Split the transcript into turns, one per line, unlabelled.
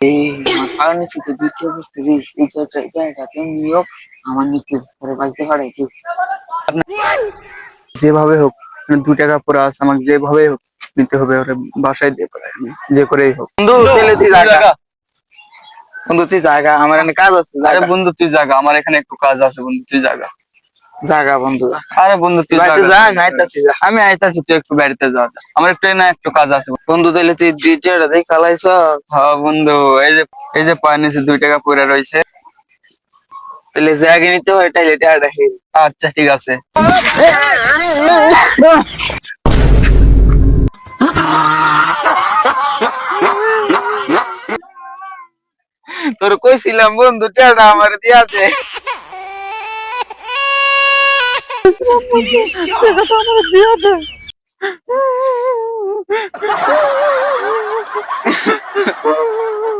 এই আমার ফার্মেসি তো দ্বিতীয় বস্তু এই জায়গাতে নিয়োগ আমার নিতে পরে বাড়িতে পাঠাইতে যেভাবে হোক 2 টাকা পড়া আছে আমাকে যেভাবে হোক নিতে হবে ওরে বাসায় দিয়ে পড়াই আমি যে করেই হোক বন্ধু চলে তুই জায়গা বন্ধু তুই জায়গা আমার এখানে কাজ আছে আরে বন্ধু তুই জায়গা আমার এখানে একটু কাজ আছে বন্ধু তুই জায়গা জায়গা বন্ধু আরে বন্ধু তুই বাড়িতে যা আমি আইতাছি আমি আইতাছি তুই একটু বাড়িতে যা আমার একটু না একটু কাজ আছে বন্ধু তাহলে তুই দ্বিতীয়টা দেখ চালাইছ হ্যাঁ বন্ধু এই যে পানিতে 2 টাকা পড়ে রয়েছে তাহলে যে আগে নিতে হয় তাহলে এটা দেখি আচ্ছা ঠিক আছে তোর কইছিলাম বন্ধু টাকা আমার দিয়াছে টাকাটা আমার দিয়া দে